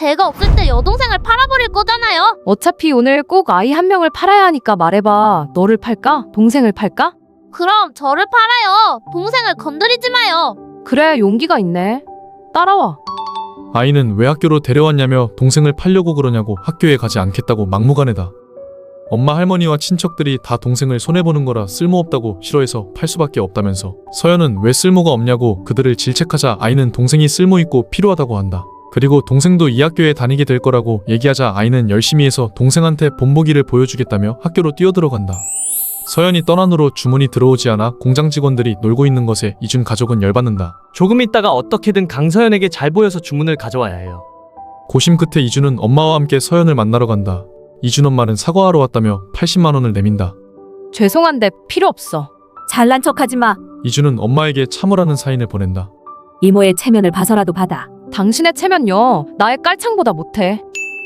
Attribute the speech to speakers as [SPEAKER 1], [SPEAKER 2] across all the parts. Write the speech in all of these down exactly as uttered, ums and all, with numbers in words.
[SPEAKER 1] 제가 없을 때 여동생을 팔아버릴 거잖아요.
[SPEAKER 2] 어차피 오늘 꼭 아이 한 명을 팔아야 하니까 말해봐. 너를 팔까? 동생을 팔까?
[SPEAKER 1] 그럼 저를 팔아요. 동생을 건드리지 마요.
[SPEAKER 2] 그래, 용기가 있네. 따라와.
[SPEAKER 3] 아이는 왜 학교로 데려왔냐며 동생을 팔려고 그러냐고 학교에 가지 않겠다고 막무가내다. 엄마 할머니와 친척들이 다 동생을 손해보는 거라 쓸모없다고 싫어해서 팔 수밖에 없다면서 서연은 왜 쓸모가 없냐고 그들을 질책하자 아이는 동생이 쓸모있고 필요하다고 한다. 그리고 동생도 이 학교에 다니게 될 거라고 얘기하자 아이는 열심히 해서 동생한테 본보기를 보여주겠다며 학교로 뛰어들어간다. 서연이 떠난 후로 주문이 들어오지 않아 공장 직원들이 놀고 있는 것에 이준 가족은 열받는다.
[SPEAKER 4] 조금 있다가 어떻게든 강서연에게 잘 보여서 주문을 가져와야 해요.
[SPEAKER 3] 고심 끝에 이준은 엄마와 함께 서연을 만나러 간다. 이준 엄마는 사과하러 왔다며 팔십만 원을 내민다.
[SPEAKER 2] 죄송한데 필요 없어.
[SPEAKER 5] 잘난 척하지 마.
[SPEAKER 3] 이준은 엄마에게 참으라는 사인을 보낸다.
[SPEAKER 5] 이모의 체면을 봐서라도 받아.
[SPEAKER 2] 당신의 체면요, 나의 깔창보다 못해.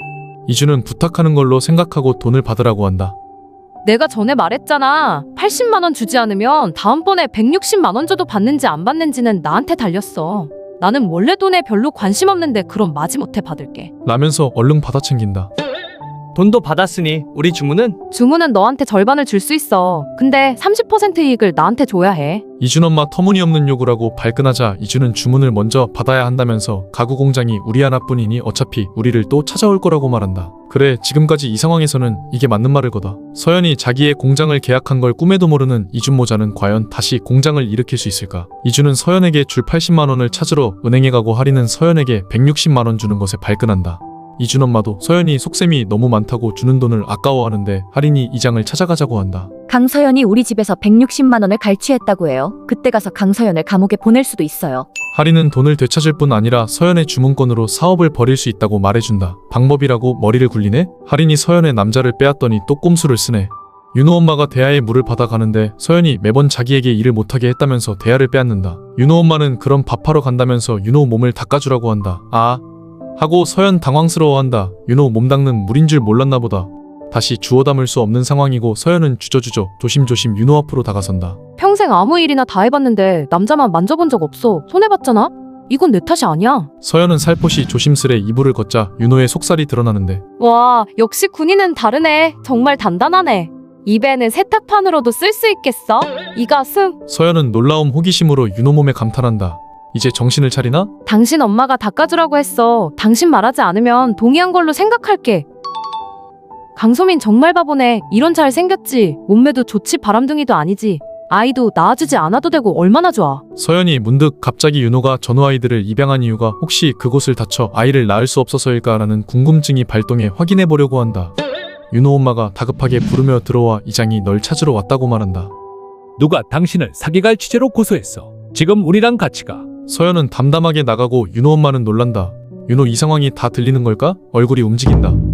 [SPEAKER 3] 이준은 부탁하는 걸로 생각하고 돈을 받으라고 한다.
[SPEAKER 2] 내가 전에 말했잖아. 팔십만 원 주지 않으면 다음번에 백육십만 원 줘도 받는지 안 받는지는 나한테 달렸어. 나는 원래 돈에 별로 관심 없는데 그럼 마지못해 받을게.
[SPEAKER 3] 라면서 얼른 받아 챙긴다.
[SPEAKER 4] 돈도 받았으니 우리 주문은?
[SPEAKER 2] 주문은 너한테 절반을 줄 수 있어. 근데 삼십 퍼센트 이익을 나한테 줘야 해.
[SPEAKER 3] 이준 엄마 터무니없는 요구를 하고 발끈하자 이준은 주문을 먼저 받아야 한다면서 가구 공장이 우리 하나뿐이니 어차피 우리를 또 찾아올 거라고 말한다. 그래, 지금까지 이 상황에서는 이게 맞는 말을 거다. 서연이 자기의 공장을 계약한 걸 꿈에도 모르는 이준 모자는 과연 다시 공장을 일으킬 수 있을까? 이준은 서연에게 줄 팔십만 원을 찾으러 은행에 가고 할인은 서연에게 백육십만 원 주는 것에 발끈한다. 이준 엄마도 서연이 속셈이 너무 많다고 주는 돈을 아까워하는데 할인이 이장을 찾아가자고 한다.
[SPEAKER 5] 강서연이 우리 집에서 백육십만 원을 갈취했다고 해요. 그때 가서 강서연을 감옥에 보낼 수도 있어요.
[SPEAKER 3] 할인은 돈을 되찾을 뿐 아니라 서연의 주문권으로 사업을 벌일 수 있다고 말해준다. 방법이라고 머리를 굴리네? 할인이 서연의 남자를 빼앗더니 또 꼼수를 쓰네. 윤호 엄마가 대하의 물을 받아가는데 서연이 매번 자기에게 일을 못하게 했다면서 대하를 빼앗는다. 윤호 엄마는 그럼 밥하러 간다면서 윤호 몸을 닦아주라고 한다. 아 하고 서연 당황스러워한다. 윤호 몸 닦는 물인 줄 몰랐나 보다. 다시 주워 담을 수 없는 상황이고 서연은 주저주저 조심조심 윤호 앞으로 다가선다.
[SPEAKER 2] 평생 아무 일이나 다 해봤는데 남자만 만져본 적 없어. 손해봤잖아? 이건 내 탓이 아니야.
[SPEAKER 3] 서연은 살포시 조심스레 이불을 걷자 윤호의 속살이 드러나는데
[SPEAKER 2] 와, 역시 군인은 다르네. 정말 단단하네. 입에는 세탁판으로도 쓸 수 있겠어? 이 가슴.
[SPEAKER 3] 서연은 놀라움 호기심으로 윤호 몸에 감탄한다. 이제 정신을 차리나?
[SPEAKER 2] 당신 엄마가 닦아주라고 했어. 당신 말하지 않으면 동의한 걸로 생각할게. 강소민 정말 바보네. 이런 잘 생겼지. 몸매도 좋지 바람둥이도 아니지. 아이도 낳아주지 않아도 되고 얼마나 좋아.
[SPEAKER 3] 서연이 문득 갑자기 윤호가 전우 아이들을 입양한 이유가 혹시 그곳을 다쳐 아이를 낳을 수 없어서일까라는 궁금증이 발동해 확인해 보려고 한다. 윤호 엄마가 다급하게 부르며 들어와 이장이 널 찾으러 왔다고 말한다.
[SPEAKER 6] 누가 당신을 사기갈 취재로 고소했어. 지금 우리랑 같이 가.
[SPEAKER 3] 서연은 담담하게 나가고 윤호 엄마는 놀란다. 윤호 이 상황이 다 들리는 걸까? 얼굴이 움직인다.